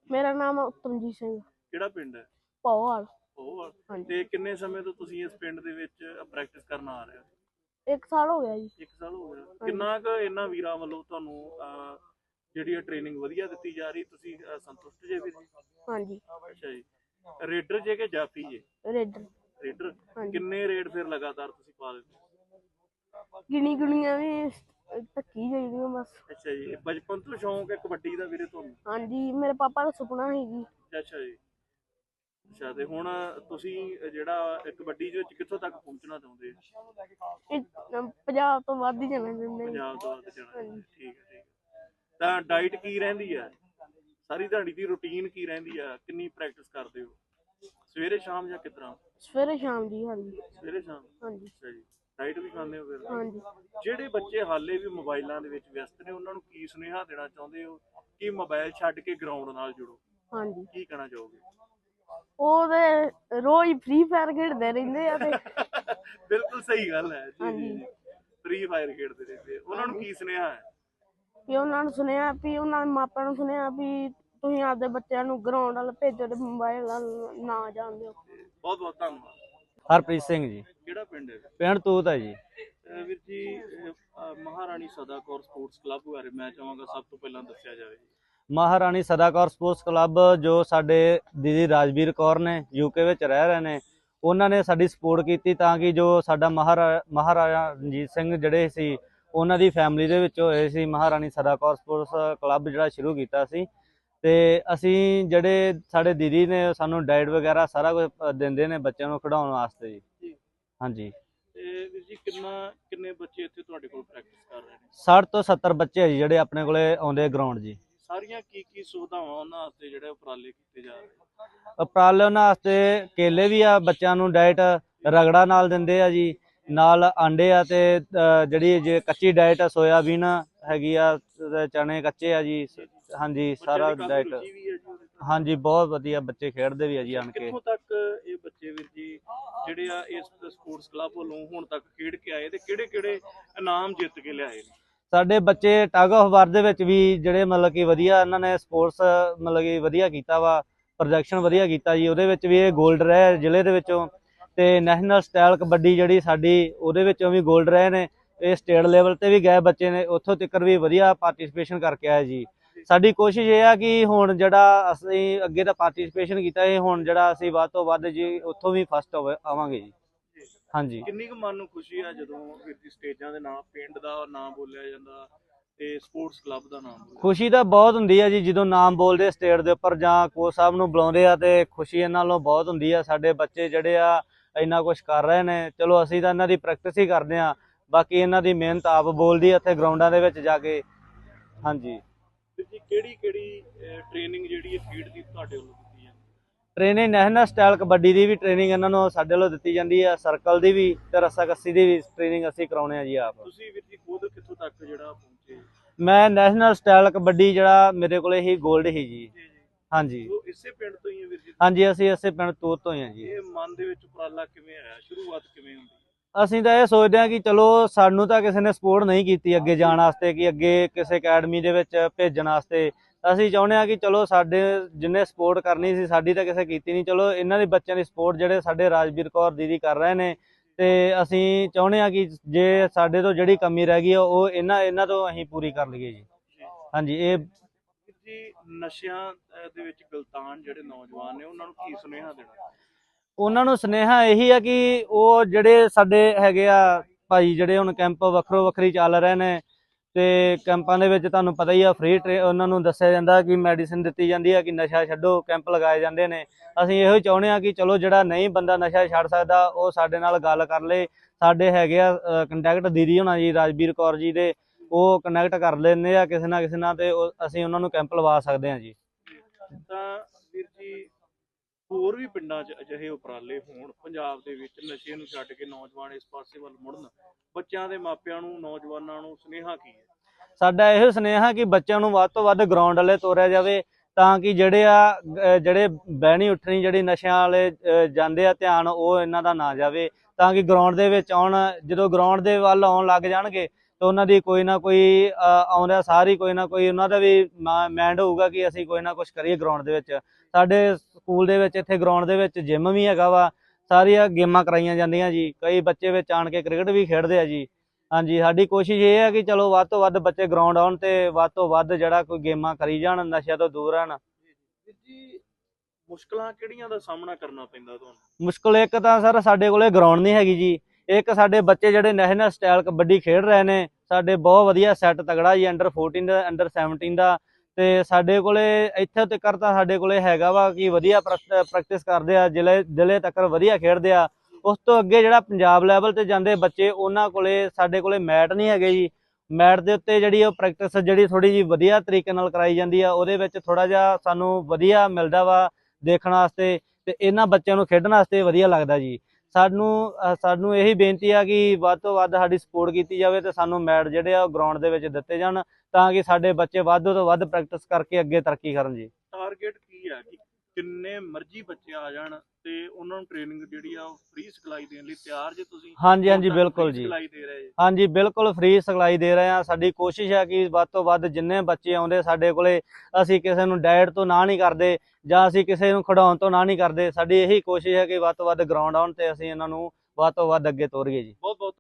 ਮੇਰਾ ਨਾਮ ਉਤਮਜੀਤ ਸਿੰਘ। ਕਿਹੜਾ ਪਿੰਡ ਹੈ? ਪੌਵਾਲ। ਉਹ ਤੇ ਕਿੰਨੇ ਸਮੇਂ ਤੋਂ ਤੁਸੀਂ ਇਸ ਪਿੰਡ ਦੇ ਵਿੱਚ ਪ੍ਰੈਕਟਿਸ ਕਰਨ ਆ ਰਹੇ ਹੋ? 1 ਸਾਲ ਹੋ ਗਿਆ ਜੀ। 1 ਸਾਲ ਹੋ ਗਿਆ। ਕਿੰਨਾ ਕੁ ਇਹਨਾਂ ਵੀਰਾਂ ਵੱਲੋਂ ਤੁਹਾਨੂੰ ਜਿਹੜੀ ਟ੍ਰੇਨਿੰਗ ਵਧੀਆ ਦਿੱਤੀ ਜਾ ਰਹੀ, ਤੁਸੀਂ ਸੰਤੁਸ਼ਟ ਜੇ ਵੀਰ ਜੀ? ਹਾਂਜੀ। ਅੱਛਾ ਜੀ। ਰੇਡਰ ਜੇ ਕਿ ਜਾਫੀ ਜੇ? ਰੇਡਰ। ਰੇਡਰ। ਕਿੰਨੇ ਰੇਡ ਫਿਰ ਲਗਾਤਾਰ ਤੁਸੀਂ ਪਾ ਦਿੱਤੇ? ਗਿਣੀਆਂ ਵੀ ਧੱਕੀ ਜਾਈਦੀਆਂ ਬਸ। ਅੱਛਾ ਜੀ। ਬਚਪਨ ਤੋਂ ਸ਼ੌਂਕ ਹੈ ਕਬੱਡੀ ਦਾ ਵੀਰੇ ਤੁਹਾਨੂੰ? ਹਾਂਜੀ, ਮੇਰੇ ਪਾਪਾ ਦਾ ਸੁਪਨਾ ਸੀ ਜੀ। ਅੱਛਾ ਜੀ। ਅੱਛਾ, ਤੇ ਹੁਣ ਤੁਸੀਂ ਜਿਹੜਾ ਕਬੱਡੀ ਦੇ ਵਿੱਚ ਕਿੱਥੋਂ ਤੱਕ ਪਹੁੰਚਣਾ ਚਾਹੁੰਦੇ ਹੋ? ਪੰਜਾਬ ਤੋਂ ਵੱਧ ਹੀ ਜਾਣਾ ਚਾਹੁੰਦੇ। ਪੰਜਾਬ ਤੋਂ ਵੱਧ ਜਾਣਾ। ਠੀਕ ਹੈ। ਤਾਂ ਡਾਈਟ ਕੀ ਰਹਿੰਦੀ ਹੈ? ਸਾਰੀ ਦਿਹਾੜੀ ਦੀ ਰੁਟੀਨ ਕੀ ਰਹਿੰਦੀ ਹੈ? ਕਿੰਨੀ ਪ੍ਰੈਕਟਿਸ ਕਰਦੇ ਹੋ? ਸਵੇਰੇ ਸ਼ਾਮ ਜਾਂ ਕਿਸ ਤਰ੍ਹਾਂ? ਸਵੇਰੇ ਸ਼ਾਮ ਜੀ। ਹਾਂਜੀ। ਸਵੇਰੇ ਸ਼ਾਮ। ਹਾਂਜੀ। ਅੱਛਾ ਜੀ। ਡਾਈਟ ਵੀ ਖਾਂਦੇ ਹੋ ਫਿਰ? ਹਾਂਜੀ। ਜਿਹੜੇ ਬੱਚੇ ਹਾਲੇ ਵੀ ਮੋਬਾਈਲਾਂ ਦੇ ਵਿੱਚ ਵਿਅਸਤ ਨੇ, ਉਹਨਾਂ ਨੂੰ ਕੀ ਸੁਨੇਹਾ ਦੇਣਾ ਚਾਹੁੰਦੇ ਹੋ ਕਿ ਮੋਬਾਈਲ ਛੱਡ ਕੇ ਗਰਾਊਂਡ ਨਾਲ ਜੁੜੋ? ਹਾਂਜੀ। ਕੀ ਕਹਿਣਾ ਚਾਹੋਗੇ? ਉਹ ਤੇ ਰੋਜ਼ ਫ੍ਰੀ ਫਾਇਰ ਖੇਡਦੇ ਰਹਿੰਦੇ ਆ ਤੇ ਬਿਲਕੁਲ ਸਹੀ ਗੱਲ ਹੈ ਜੀ। ਫ੍ਰੀ ਫਾਇਰ ਖੇਡਦੇ ਰਹਿੰਦੇ। ਉਹਨਾਂ ਨੂੰ ਕੀ ਸੁਨੇਹਾ ਹੈ? ਵੀ ਉਹਨਾਂ ਨੂੰ ਸੁਣਿਆ ਵੀ ਉਹਨਾਂ ਦੇ ਮਾਪਿਆਂ ਨੂੰ ਸੁਣਿਆ ਵੀ ਤੁਸੀਂ ਆਪਦੇ ਬੱਚਿਆਂ ਨੂੰ ਗਰਾਊਂਡ ਵੱਲ ਭੇਜੋ ਤੇ ਮੋਬਾਈਲ ਵੱਲ ਨਾ ਜਾਣ ਦਿਓ। ਬਹੁਤ ਬਹੁਤ ਧੰਨਵਾਦ। ਹਰਪ੍ਰੀਤ ਸਿੰਘ ਜੀ। ਕਿਹੜਾ ਪਿੰਡ ਹੈ? ਪਿੰਡ ਤੂਤ ਹੈ ਜੀ। ਵੀਰ ਜੀ, ਮਹਾਰਾਣੀ ਸਦਾ ਕੌਰ ਸਪੋਰਟਸ ਕਲੱਬ ਬਾਰੇ ਮੈਂ ਚਾਹਾਂਗਾ ਸਭ ਤੋਂ ਪਹਿਲਾਂ ਦੱਸਿਆ ਜਾਵੇ। ਮਹਾਰਾਣੀ ਸਦਾ ਕੌਰ ਸਪੋਰਟਸ ਕਲੱਬ ਜੋ ਸਾਡੇ ਦੀਦੀ ਰਾਜਵੀਰ ਕੌਰ ਨੇ ਯੂਕੇ ਵਿੱਚ ਰਹਿ ਰਹੇ ਨੇ, ਉਹਨਾਂ ਨੇ ਸਾਡੀ ਸਪੋਰਟ ਕੀਤੀ ਤਾਂ ਕਿ ਜੋ ਸਾਡਾ ਮਹਾਰਾਜਾ ਰਣਜੀਤ ਸਿੰਘ ਜਿਹੜੇ ਸੀ ਉਹਨਾਂ ਦੀ ਫੈਮਿਲੀ ਦੇ ਵਿੱਚ ਹੋਏ ਸੀ। ਮਹਾਰਾਣੀ ਸਦਾ ਕੌਰ ਸਪੋਰਟਸ ਕਲੱਬ ਜਿਹੜਾ ਸ਼ੁਰੂ ਕੀਤਾ ਸੀ, ਤੇ ਅਸੀਂ ਜਿਹੜੇ ਸਾਡੇ ਦੀਦੀ ਨੇ ਸਾਨੂੰ ਡਾਈਟ ਵਗੈਰਾ ਸਾਰਾ ਕੁਝ ਦਿੰਦੇ ਨੇ ਬੱਚਿਆਂ ਨੂੰ ਖਿਡਾਉਣ ਵਾਸਤੇ ਜੀ। ਹਾਂਜੀ। ਤੇ ਵੀਰ ਜੀ, ਕਿੰਨੇ ਬੱਚੇ ਇੱਥੇ ਤੁਹਾਡੇ ਕੋਲ ਪ੍ਰੈਕਟਿਸ ਕਰ ਰਹੇ ਨੇ? 60 ਤੋਂ 70 ਬੱਚੇ ਆ ਜੀ ਜਿਹੜੇ ਆਪਣੇ ਕੋਲੇ ਆਉਂਦੇ ਗਰਾਊਂਡ ਜੀ। ਸਾਰੀਆਂ ਕੀ ਸੁਵਿਧਾਵਾਂ ਉਹਨਾਂ ਵਾਸਤੇ ਜਿਹੜੇ ਉਪਰਾਲੇ ਕੀਤੇ ਜਾ ਰਹੇ? ਉਪਰਾਲੇ ਉਹਨਾਂ ਵਾਸਤੇ ਕੇਲੇ ਵੀ ਆ, ਬੱਚਿਆਂ ਨੂੰ ਡਾਈਟ ਰਗੜਾ ਨਾਲ ਦਿੰਦੇ ਆ ਜੀ, ਨਾਲ ਆਂਡੇ ਆ, ਤੇ ਜਿਹੜੀ ਜੇ ਕੱਚੀ ਡਾਈਟ ਸੋਇਆਬੀਨ ਹੈਗੀ ਆ, ਚਨੇ ਕੱਚੇ ਆ ਜੀ। ਹਾਂਜੀ, ਸਾਰਾ ਡਾਈਟ। ਹਾਂਜੀ, ਬਹੁਤ ਵਧੀਆ ਬੱਚੇ ਖੇਡਦੇ ਵੀ ਆ ਜੀ ਆਣ ਕੇ। ਕਿੱਥੋਂ ਤੱਕ ਇਹ ਬੱਚੇ ਵੀਰ ਜੀ ਜਿਹੜੇ ਆ ਇਸ ਸਪੋਰਟਸ ਕਲੱਬ ਵੱਲੋਂ ਹੁਣ ਤੱਕ ਖੇਡ ਕੇ ਆਏ ਤੇ ਕਿਹੜੇ ਇਨਾਮ ਜਿੱਤ ਕੇ ਲਿਆਏ ਨੇ? ਸਾਡੇ ਬੱਚੇ ਟਗ ਆਫ ਵਾਰ ਦੇ ਵਿੱਚ ਵੀ ਜਿਹੜੇ ਮਤਲਬ ਕਿ ਵਧੀਆ ਇਹਨਾਂ ਨੇ ਸਪੋਰਟਸ ਮਤਲਬ ਕਿ ਵਧੀਆ ਕੀਤਾ ਵਾ, ਪ੍ਰੋਜੈਕਸ਼ਨ ਵਧੀਆ ਕੀਤਾ ਜੀ। ਉਹਦੇ ਵਿੱਚ ਵੀ ਇਹ ਗੋਲਡ ਰਹੇ ਜ਼ਿਲ੍ਹੇ ਦੇ ਵਿੱਚੋਂ, ਤੇ ਨੈਸ਼ਨਲ ਸਟਾਈਲ ਕਬੱਡੀ ਜਿਹੜੀ ਸਾਡੀ ਉਹਦੇ ਵਿੱਚੋਂ ਵੀ ਗੋਲਡ ਰਹੇ ਨੇ। ਇਹ ਸਟੇਟ ਲੈਵਲ ਤੇ ਵੀ ਗਏ ਬੱਚੇ ਨੇ, ਉੱਥੋਂ ਤੱਕ ਵੀ ਵਧੀਆ ਪਾਰਟੀਸਪੇਸ਼ਨ ਕਰਕੇ ਆਏ ਜੀ। ਸਾਡੀ ਕੋਸ਼ਿਸ਼ ਇਹ ਆ ਕਿ ਹੁਣ ਜਿਹੜਾ ਅਸੀਂ ਅੱਗੇ ਤਾਂ ਪਾਰਟੀਸਪੇਸ਼ਨ ਕੀਤਾ, ਇਹ ਹੁਣ ਜਿਹੜਾ ਅਸੀਂ ਵੱਧ ਤੋਂ ਵੱਧ ਜੀ ਉੱਥੋਂ ਵੀ ਫਸਟ ਆਵਾਂਗੇ ਜੀ। ਹਾਂਜੀ। ਕਿੰਨੀ ਕੁ ਮਨ ਨੂੰ ਖੁਸ਼ੀ ਆ ਜਦੋਂ ਵੀਰ ਜੀ ਸਟੇਜਾਂ ਦੇ ਨਾਮ, ਪਿੰਡ ਦਾ ਨਾਮ ਬੋਲਿਆ ਜਾਂਦਾ ਤੇ ਸਪੋਰਟਸ ਕਲੱਬ ਦਾ ਨਾਮ? ਖੁਸ਼ੀ ਤਾਂ ਬਹੁਤ ਹੁੰਦੀ ਆ ਜੀ ਜਦੋਂ ਨਾਮ ਬੋਲਦੇ ਸਟੇਟ ਦੇ ਉੱਪਰ ਜਾਂ ਕੋਚ ਸਾਹਿਬ ਨੂੰ ਬੁਲਾਉਂਦੇ ਆ, ਤੇ ਖੁਸ਼ੀ ਇਹਨਾਂ ਨਾਲੋਂ ਬਹੁਤ ਹੁੰਦੀ ਆ। ਸਾਡੇ ਬੱਚੇ ਜਿਹੜੇ ਆ ਇੰਨਾ ਕੁਝ ਕਰ ਰਹੇ ਨੇ, ਚਲੋ ਅਸੀਂ ਤਾਂ ਇਹਨਾਂ ਦੀ ਪ੍ਰੈਕਟਿਸ ਹੀ ਕਰਦੇ ਆ, ਬਾਕੀ ਇਹਨਾਂ ਦੀ ਮਿਹਨਤ ਆਪ ਬੋਲਦੀ ਆ ਇੱਥੇ ਗਰਾਊਂਡਾਂ ਦੇ ਵਿੱਚ ਜਾ ਕੇ। ਹਾਂਜੀ। ਜੀ, ਕਿਹੜੀ ਟ੍ਰੇਨਿੰਗ ਜਿਹੜੀ ਹੈ ਖੇਡ ਦੀ ਤੁਹਾਡੇ ਵੱਲੋਂ ਦਿੱਤੀ ਜਾਂਦੀ? ਟ੍ਰੇਨਿੰਗ ਨੈਸ਼ਨਲ ਸਟਾਈਲ ਕਬੱਡੀ ਦੀ ਵੀ ਟ੍ਰੇਨਿੰਗ ਇਹਨਾਂ ਨੂੰ ਸਾਡੇ ਵੱਲੋਂ ਦਿੱਤੀ ਜਾਂਦੀ ਆ, ਸਰਕਲ ਦੀ ਵੀ ਤੇ ਰੱਸਾਕੱਸੀ ਦੀ ਵੀ ਟ੍ਰੇਨਿੰਗ ਅਸੀਂ ਕਰਾਉਣੇ ਆ ਜੀ ਆਪ। ਤੁਸੀਂ ਵੀਰ ਜੀ ਖੁਦ ਕਿੱਥੋਂ ਤੱਕ ਜਿਹੜਾ ਪਹੁੰਚੇ? ਮੈਂ ਨੈਸ਼ਨਲ ਸਟਾਈਲ ਕਬੱਡੀ ਜਿਹੜਾ ਮੇਰੇ ਕੋਲੇ ਹੀ ਗੋਲਡ ਹੀ ਜੀ। ਹਾਂਜੀ। ਉਹ ਇਸੇ ਪਿੰਡ ਤੋਂ ਹੀ ਹੈ ਵੀਰ ਜੀ? ਹਾਂਜੀ, ਅਸੀਂ ਇਸੇ ਪਿੰਡ ਤੂਤ ਤੋਂ ਹੀ ਆ ਜੀ। ਇਹ ਮਨ ਦੇ ਵਿੱਚ ਉਪਰਾਲਾ ਕਿਵੇਂ ਆਇਆ? ਸ਼ੁਰੂਆਤ ਕਿਵੇਂ ਹੁੰਦੀ? ਅਸੀਂ ਤਾਂ ਇਹ ਸੋਚਦੇ ਹਾਂ ਕਿ ਚਲੋ ਸਾਨੂੰ ਤਾਂ ਕਿਸੇ ਨੇ ਸਪੋਰਟ ਨਹੀਂ ਕੀਤੀ ਅੱਗੇ ਜਾਣ ਵਾਸਤੇ, ਕਿ ਅੱਗੇ ਕਿਸੇ ਅਕੈਡਮੀ ਦੇ ਵਿੱਚ ਭੇਜਣ ਵਾਸਤੇ। ਅਸੀਂ ਚਾਹੁੰਦੇ ਹਾਂ ਕਿ ਚਲੋ ਸਾਡੇ ਜਿੰਨੇ ਸਪੋਰਟ ਕਰਨੀ ਸੀ ਸਾਡੀ ਤਾਂ ਕਿਸੇ ਕੀਤੀ ਨਹੀਂ, ਚਲੋ ਇਹਨਾਂ ਦੇ ਬੱਚਿਆਂ ਦੀ ਸਪੋਰਟ ਜਿਹੜੇ ਸਾਡੇ ਰਾਜਵੀਰ ਕੌਰ ਦੀਦੀ ਕਰ ਰਹੇ ਨੇ, ਤੇ ਅਸੀਂ ਚਾਹੁੰਦੇ ਹਾਂ ਕਿ ਜੇ ਸਾਡੇ ਤੋਂ ਜਿਹੜੀ ਕਮੀ ਰਹਿ ਗਈ ਉਹ ਇਹਨਾਂ ਤੋਂ ਅਸੀਂ ਪੂਰੀ ਕਰ ਲਈਏ ਜੀ। ਹਾਂਜੀ। ਇਹ ਜੀ, ਨਸ਼ਿਆਂ ਦੇ ਵਿੱਚ ਗਲਤਾਨ ਜਿਹੜੇ ਨੌਜਵਾਨ ਨੇ ਉਹਨਾਂ ਨੂੰ ਕੀ ਸੁਨੇਹਾ ਦੇਣਾ? ਉਹਨਾਂ ਨੂੰ ਸੁਨੇਹਾ ਇਹੀ ਆ ਕਿ ਉਹ ਜਿਹੜੇ ਸਾਡੇ ਹੈਗੇ ਆ ਭਾਈ, ਜਿਹੜੇ ਹੁਣ ਕੈਂਪ ਵੱਖਰੀ ਚੱਲ ਰਹੇ ਨੇ, ਤੇ ਕੈਂਪਾਂ ਦੇ ਵਿੱਚ ਤੁਹਾਨੂੰ ਪਤਾ ਹੀ ਆ ਫ੍ਰੀ ਉਹਨਾਂ ਨੂੰ ਦੱਸਿਆ ਜਾਂਦਾ ਕਿ ਮੈਡੀਸਿਨ ਦਿੱਤੀ ਜਾਂਦੀ ਆ ਕਿ ਨਸ਼ਾ ਛੱਡੋ, ਕੈਂਪ ਲਗਾਏ ਜਾਂਦੇ ਨੇ। ਅਸੀਂ ਇਹੋ ਹੀ ਚਾਹੁੰਦੇ ਹਾਂ ਕਿ ਚਲੋ ਜਿਹੜਾ ਨਹੀਂ ਬੰਦਾ ਨਸ਼ਾ ਛੱਡ ਸਕਦਾ ਉਹ ਸਾਡੇ ਨਾਲ ਗੱਲ ਕਰ ਲਏ। ਸਾਡੇ ਹੈਗੇ ਆ ਕੰਟੈਕਟ ਦੀਦੀ ਹੋਣਾ ਜੀ, ਰਾਜਵੀਰ ਕੌਰ ਜੀ ਦੇ, ਉਹ ਕਨੈਕਟ ਕਰ ਲੈਂਦੇ ਆ ਕਿਸੇ ਨਾ ਕਿਸੇ ਨਾਲ, ਤੇ ਅਸੀਂ ਉਹਨਾਂ ਨੂੰ ਕੈਂਪ ਲਵਾ ਸਕਦੇ ਹਾਂ ਜੀ। ਤਾਂ ਵੀਰ ਜੀ, ਹੋਰ ਵੀ ਪਿੰਡਾਂ 'ਚ ਅਜਿਹੇ ਉਪਰਾਲੇ ਹੋਣ ਪੰਜਾਬ ਦੇ ਵਿੱਚ ਨਸ਼ੇ ਨੂੰ ਛੱਡ ਕੇ ਨੌਜਵਾਨ ਇਸ ਪਾਸੇ ਵੱਲ ਮੁੜਨ, ਬੱਚਿਆਂ ਦੇ ਮਾਪਿਆਂ ਨੂੰ, ਨੌਜਵਾਨਾਂ ਨੂੰ ਸੁਨੇਹਾ ਕੀ ਹੈ? ਸਾਡਾ ਇਹੋ ਸੁਨੇਹਾ ਕਿ ਬੱਚਿਆਂ ਨੂੰ ਵੱਧ ਤੋਂ ਵੱਧ ਗਰਾਊਂਡ ਵਾਲੇ ਤੋਰਿਆ ਜਾਵੇ, ਤਾਂ ਕਿ ਜਿਹੜੇ ਬਹਿਣੀ ਉੱਠਣੀ ਜਿਹੜੀ ਨਸ਼ਿਆਂ ਵਾਲੇ ਜਾਂਦੇ ਆ ਧਿਆਨ ਉਹ ਇਹਨਾਂ ਦਾ ਨਾ ਜਾਵੇ, ਤਾਂ ਕਿ ਗਰਾਊਂਡ ਦੇ ਵਿੱਚ ਆਉਣ। ਜਦੋਂ ਗਰਾਊਂਡ ਦੇ ਵੱਲ ਆਉਣ ਲੱਗ ਜਾਣਗੇ ਤੇ ਉਹਨਾਂ ਦੀ ਕੋਈ ਨਾ ਕੋਈ ਆਉਂਦਾ ਸਾਰੀ ਕੋਈ ਨਾ ਕੋਈ ਉਹਨਾਂ ਦਾ ਵੀ ਮਾਈਂਡ ਹੋਊਗਾ ਕਿ ਅਸੀਂ ਕੋਈ ਨਾ ਕੁਝ ਕਰੀਏ ਗਰਾਊਂਡ ਦੇ ਵਿੱਚ। ਸਾਡੇ ਸਕੂਲ ਦੇ ਵਿੱਚ ਇੱਥੇ ਗਰਾਊਂਡ ਦੇ ਵਿੱਚ ਜਿਮ ਵੀ ਹੈਗਾ ਵਾ, ਸਾਰੀਆਂ ਗੇਮਾਂ ਕਰਾਈਆਂ ਜਾਂਦੀਆਂ ਜੀ, ਕਈ ਬੱਚੇ ਵਿੱਚ ਆਣ ਕੇ ਕ੍ਰਿਕਟ ਵੀ ਖੇਡਦੇ ਆ ਜੀ। ਹਾਂਜੀ, ਸਾਡੀ ਕੋਸ਼ਿਸ਼ ਇਹ ਹੈ ਕਿ ਚਲੋ ਵੱਧ ਤੋਂ ਵੱਧ ਬੱਚੇ ਗਰਾਊਂਡ ਆਉਣ ਤੇ ਵੱਧ ਤੋਂ ਵੱਧ ਜਿਹੜਾ ਕੋਈ ਗੇਮਾਂ ਕਰੀ ਜਾਣ, ਨਸ਼ਿਆਂ ਤੋਂ ਦੂਰ ਰਹਿਣ। ਵੀਰ ਜੀ ਮੁਸ਼ਕਲਾਂ ਕਿਹੜੀਆਂ ਦਾ ਸਾਹਮਣਾ ਕਰਨਾ ਪੈਂਦਾ ਤੁਹਾਨੂੰ? ਮੁਸ਼ਕਲ ਇੱਕ ਤਾਂ ਸਰ ਸਾਡੇ ਕੋਲੇ ਗਰਾਊਂਡ ਨਹੀਂ ਹੈਗੀ ਜੀ, ਇੱਕ ਸਾਡੇ ਬੱਚੇ ਜਿਹੜੇ ਨੈਸ਼ਨਲ ਸਟਾਈਲ ਕਬੱਡੀ ਖੇਡ ਰਹੇ ਨੇ, ਸਾਡੇ ਬਹੁਤ ਵਧੀਆ ਸੈੱਟ ਤਗੜਾ ਜੀ, ਅੰਡਰ 14 ਦਾ ਅੰਡਰ 17 ਦਾ, ਤੇ ਸਾਡੇ ਕੋਲੇ ਇੱਥੇ ਤੱਕ ਤਾਂ ਸਾਡੇ ਕੋਲੇ ਹੈਗਾ ਵਾ ਕਿ ਵਧੀਆ ਪ੍ਰੈਕਟਿਸ ਕਰਦੇ ਆ, ਜ਼ਿਲ੍ਹੇ ਤੱਕ ਵਧੀਆ ਖੇਡਦੇ ਆ। ਉਸ ਤੋਂ ਅੱਗੇ ਜਿਹੜਾ ਪੰਜਾਬ ਲੈਵਲ ਤੇ ਜਾਂਦੇ ਬੱਚੇ, ਉਹਨਾਂ ਕੋਲੇ ਸਾਡੇ ਕੋਲੇ ਮੈਟ ਨਹੀਂ ਹੈਗੇ ਜੀ। ਮੈਟ ਦੇ ਉੱਤੇ ਜਿਹੜੀ ਉਹ ਪ੍ਰੈਕਟਿਸ ਜਿਹੜੀ ਥੋੜੀ ਜਿਹੀ ਵਧੀਆ ਤਰੀਕੇ ਨਾਲ ਕਰਾਈ ਜਾਂਦੀ ਆ, ਉਹਦੇ ਵਿੱਚ ਥੋੜਾ ਜਿਹਾ ਸਾਨੂੰ ਵਧੀਆ ਮਿਲਦਾ ਵਾ ਦੇਖਣ ਵਾਸਤੇ, ਤੇ ਇਹਨਾਂ ਬੱਚਿਆਂ ਨੂੰ ਖੇਡਣ ਵਾਸਤੇ ਵਧੀਆ ਲੱਗਦਾ ਜੀ। ਸਾਨੂੰ ਇਹੀ ਬੇਨਤੀ ਆ ਕਿ ਵੱਧ ਤੋਂ ਵੱਧ ਸਾਡੀ ਸਪੋਰਟ ਕੀਤੀ ਜਾਵੇ ਤੇ ਸਾਨੂੰ ਮੈਟ ਜਿਹੜੇ ਆ ਉਹ ਗਰਾਊਂਡ ਦੇ ਵਿੱਚ ਦਿੱਤੇ ਜਾਣ, ਤਾਂ ਕਿ ਸਾਡੇ ਬੱਚੇ ਵੱਧ ਤੋਂ ਵੱਧ ਪ੍ਰੈਕਟਿਸ ਕਰਕੇ ਅੱਗੇ ਤਰੱਕੀ ਕਰਨ ਜੀ। ਟਾਰਗੇਟ ਕੀ ਹੈ ਕਿ ਕਿੰਨੇ ਮਰਜ਼ੀ ਬੱਚੇ ਆ ਜਾਣ ਤੇ ਉਹਨਾਂ ਨੂੰ ਟ੍ਰੇਨਿੰਗ ਜਿਹੜੀ ਆ ਉਹ ਫ੍ਰੀ ਸਿਖਲਾਈ ਦੇਣ ਲਈ ਤਿਆਰ ਜੇ ਤੁਸੀਂ? ਹਾਂਜੀ ਹੁਣ ਤੱਕ ਬਿਲਕੁਲ free ਜੀ। ਸਿਖਲਾਈ ਦੇ ਰਹੇ ਜੀ? ਹਾਂਜੀ ਬਿਲਕੁਲ ਫ੍ਰੀ ਸਿਖਲਾਈ ਦੇ ਰਹੇ ਆ। ਸਾਡੀ ਕੋਸ਼ਿਸ਼ ਹੈ ਕਿ ਵੱਧ ਤੋਂ ਵੱਧ ਜਿੰਨੇ ਬੱਚੇ ਆਉਂਦੇ ਸਾਡੇ ਕੋਲੇ, ਅਸੀਂ ਕਿਸੇ ਨੂੰ ਡਾਇਟ ਤੋਂ ਨਾ ਨਹੀਂ ਕਰਦੇ ਜਾਂ ਅਸੀਂ ਕਿਸੇ ਨੂੰ ਖਿਡਾਉਣ ਤੋਂ ਨਾ ਨਹੀਂ ਕਰਦੇ। ਸਾਡੀ ਇਹੀ ਕੋਸ਼ਿਸ਼ ਹੈ ਕਿ ਵੱਧ ਤੋਂ ਵੱਧ ਗਰਾਊਂਡ ਆਉਣ ਤੇ ਅਸੀਂ ਇਹਨਾਂ ਨੂੰ ਵੱਧ ਤੋਂ ਵੱਧ ਅੱਗੇ ਤੋਰੀਏ ਜੀ। ਬਹੁਤ ਬਹੁਤ